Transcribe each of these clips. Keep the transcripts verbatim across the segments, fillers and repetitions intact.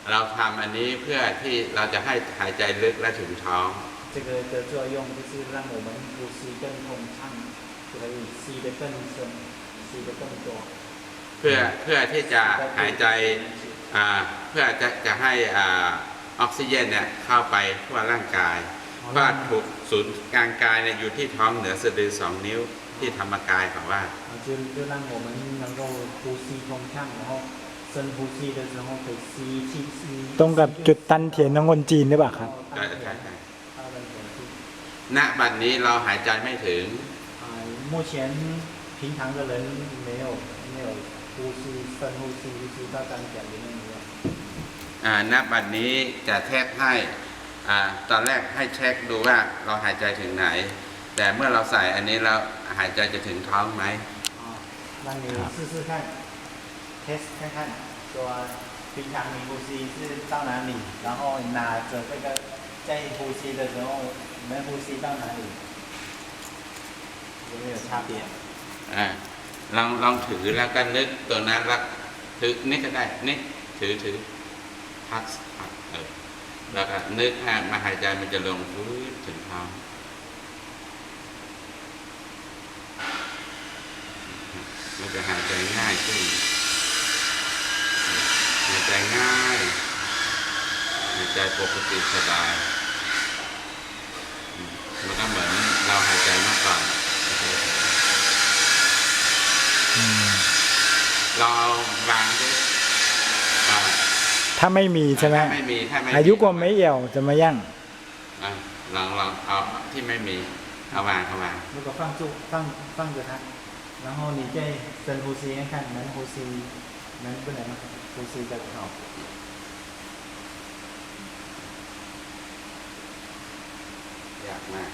เราทำอันนี้เพื่อที่เราจะให้หายใจลึกและถึงท้อง这个的作用就是让我们呼吸更通畅，可以吸得更深，吸得更多。 เพื่อเพื่อที่จะหายใจเพื่อจะจะให้ออกซิเจนเนี่ยเข้าไปทั่วร่างกายเพราะถูกศูนย์กลางกายเนี่ยอยู่ที่ท้องเหนือสะดือสองนิ้วที่ธรรมกายของว่า就就让我们能够呼吸通畅，然后深呼吸的时候可以吸气吸。 ตรงกับจุดตันเถียนของคนจีนหรือเปล่าครับใช่ใช่ใช่ณบัดนี้เราหายใจไม่ถึง目前平常的人没有没有呼吸深呼吸呼吸到丹田里面没有อ่าณบัดนี้จะเทสให้อ่าตอนแรกให้เช็คดูว่าเราหายใจถึงไหนแต่เมื่อเราใส่อันนี้แล้วหายใจจะถึงท้องไหม让你试试看 test 看看说平常你呼吸是到哪里然后拿着这个在呼吸的时候你们呼吸到哪里有没有差别อ่าลองลองถือแล้วก็นึกตัวนั้นแล้วถือนี่ก็ได้นี่ถือถือพักพักเออแล้วก็นึกให้มาหายใจมันจะลงพื้นถึงท้องมันจะหายใจง่ายขึ้นหายใจง่ายหายใจปกติสบายมันก็เหมือนเราหายใจเมื่อก่อนเราวางด้วยถ้าไม่มีใช่ไหมไม่มีถ้าไม่อายุกว่าไม่เอี่ยวจะมายั่งลองลองเอาที่ไม่มีเอาวางเอาวาง如果放住放放着它然后你再深呼吸看看能呼吸能不能呼吸得好ยากมาก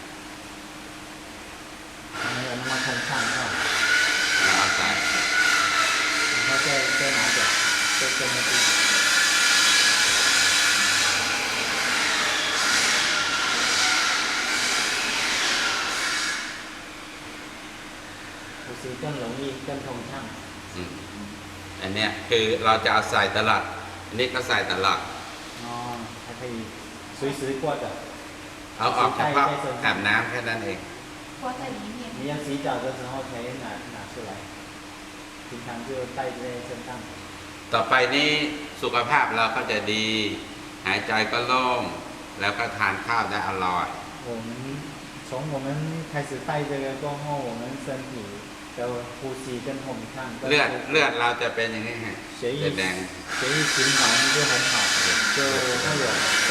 没有那么通畅哈เราเอาใส่然后再再拿着再跟那边呼吸更容易更通畅อันเนี้ยคือเราจะเอาใส่ตลอดอันนี้ก็ใส่ตลอดอ๋อ还可以随时挂着เอาออกเฉพาะอาบน้ำแค่นั้นเอง挂在里面你要洗澡的时候才拿拿出来平常就带在身上ต่อไปนี้สุขภาพเราก็จะดีหายใจก็โล่งแล้วก็ทานข้าวได้อร่อย我们从我们开始带这个过后我们身体的呼吸跟通畅เลือดเลือดเราจะเป็นอย่างนี้ฮะ血液แดง血液循环就很好就会有粉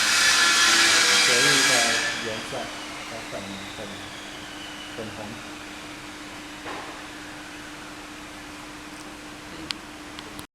血液的颜色的粉粉粉红